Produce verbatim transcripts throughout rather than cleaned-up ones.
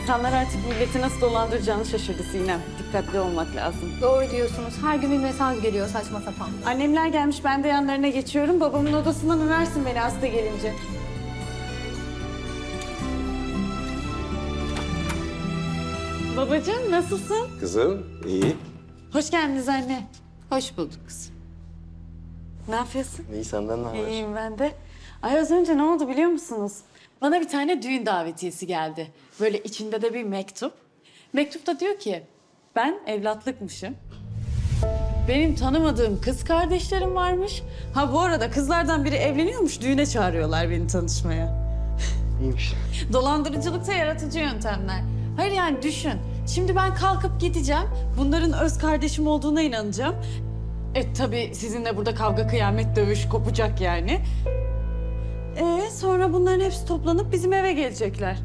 İnsanlar artık milleti nasıl dolandıracağını şaşırdı Sinem. Dikkatli olmak lazım. Doğru diyorsunuz. Her gün bir mesaj geliyor saçma sapan. Annemler gelmiş, ben de yanlarına geçiyorum. Babamın odasından översin beni hasta gelince. Babacığım, nasılsın? Kızım, iyi. Hoş geldiniz anne. Hoş bulduk kızım. Ne yapıyorsun? İyi, senden ne haber? İyiyim ben de. Ay az önce ne oldu biliyor musunuz? Bana bir tane düğün davetiyesi geldi. Böyle içinde de bir mektup. Mektupta diyor ki, ben evlatlıkmışım. Benim tanımadığım kız kardeşlerim varmış. Ha bu arada kızlardan biri evleniyormuş, düğüne çağırıyorlar beni tanışmaya. İyiymiş. Dolandırıcılıkta yaratıcı yöntemler. Hayır yani düşün. Şimdi ben kalkıp gideceğim. Bunların öz kardeşim olduğuna inanacağım. E tabii sizinle burada kavga, kıyamet, dövüş kopacak yani. E sonra bunların hepsi toplanıp bizim eve gelecekler.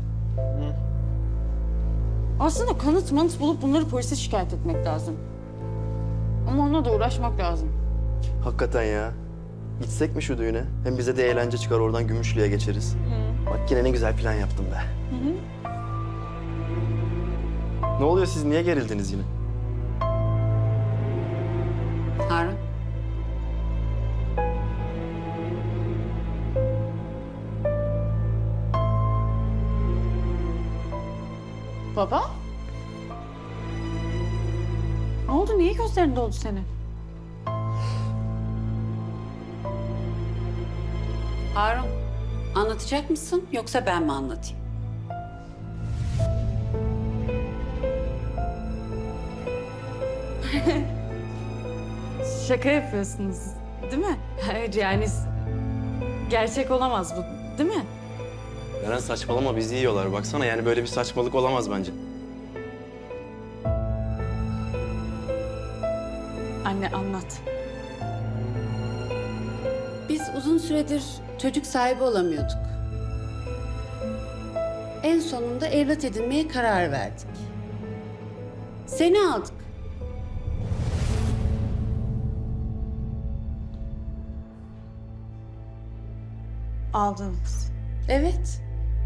Aslında kanıt manıt bulup bunları polise şikayet etmek lazım. Ama onunla da uğraşmak lazım. Hakikaten ya. Gitsek mi şu düğüne? Hem bize de eğlence çıkar, oradan Gümüşlü'ye geçeriz. Bak yine ne güzel plan yaptım be. Ne oluyor, siz niye gerildiniz yine? Harun. Baba? Ne oldu? Niye gözlerin doldu senin? Harun, anlatacak mısın yoksa ben mi anlatayım? Şaka yapıyorsunuz, değil mi? Hayır yani gerçek olamaz bu, değil mi? Eren saçmalama, bizi yiyorlar. Baksana yani böyle bir saçmalık olamaz bence. Anne anlat. Biz uzun süredir çocuk sahibi olamıyorduk. En sonunda evlat edinmeye karar verdik. Seni aldık. Aldınız. Evet.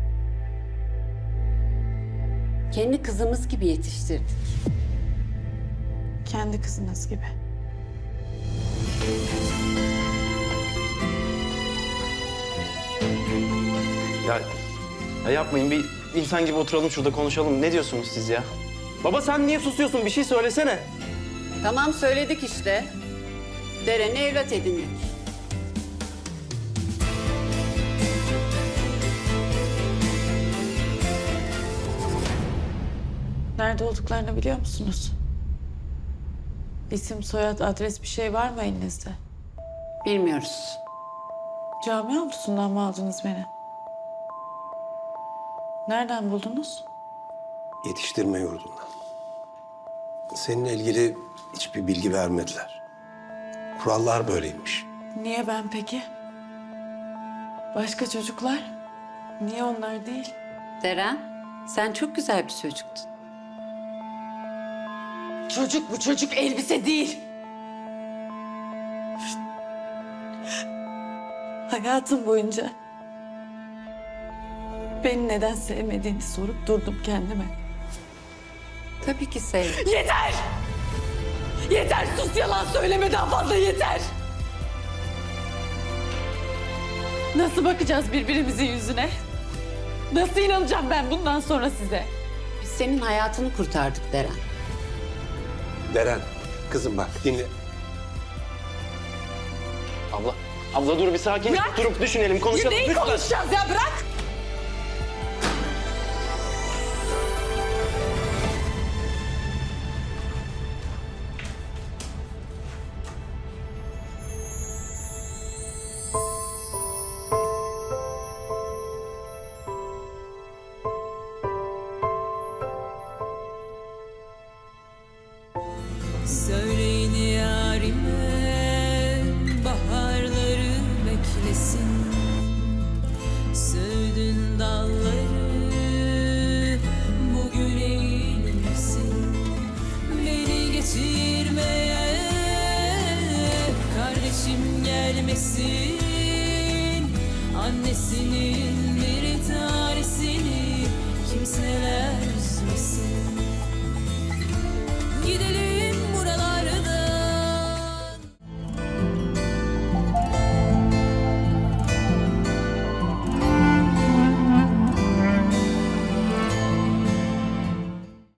Kendi kızımız gibi yetiştirdik. Kendi kızınız gibi. Ya, ya yapmayın, bir insan gibi oturalım şurada konuşalım. Ne diyorsunuz siz ya? Baba sen niye susuyorsun? Bir şey söylesene. Tamam söyledik işte. Deren'i evlat edindik. Nerede olduklarını biliyor musunuz? İsim, soyad, adres bir şey var mı elinizde? Bilmiyoruz. Cami avlusundan mı aldınız beni? Nereden buldunuz? Yetiştirme yurdundan. Seninle ilgili hiçbir bilgi vermediler. Kurallar böyleymiş. Niye ben peki? Başka çocuklar? Niye onlar değil? Deren, sen çok güzel bir çocuktun. Çocuk bu çocuk, elbise değil. Hayatım boyunca beni neden sevmediğini sorup durdum kendime. Tabii ki sevdim. Yeter! Yeter, sus, yalan söyleme daha fazla, yeter! Nasıl bakacağız birbirimizin yüzüne? Nasıl inanacağım ben bundan sonra size? Biz senin hayatını kurtardık Deren. Deren, kızım bak dinle. Abla, abla dur bir sakin. Bırak! Durup düşünelim, konuşalım. Neyi lütfen. konuşacağız ya, bırak! Söyleyin yarime baharları beklesin. Söğüdün dalları bugün eğilmesin. Beni geçirmeye kardeşim gelmesin. Annesinin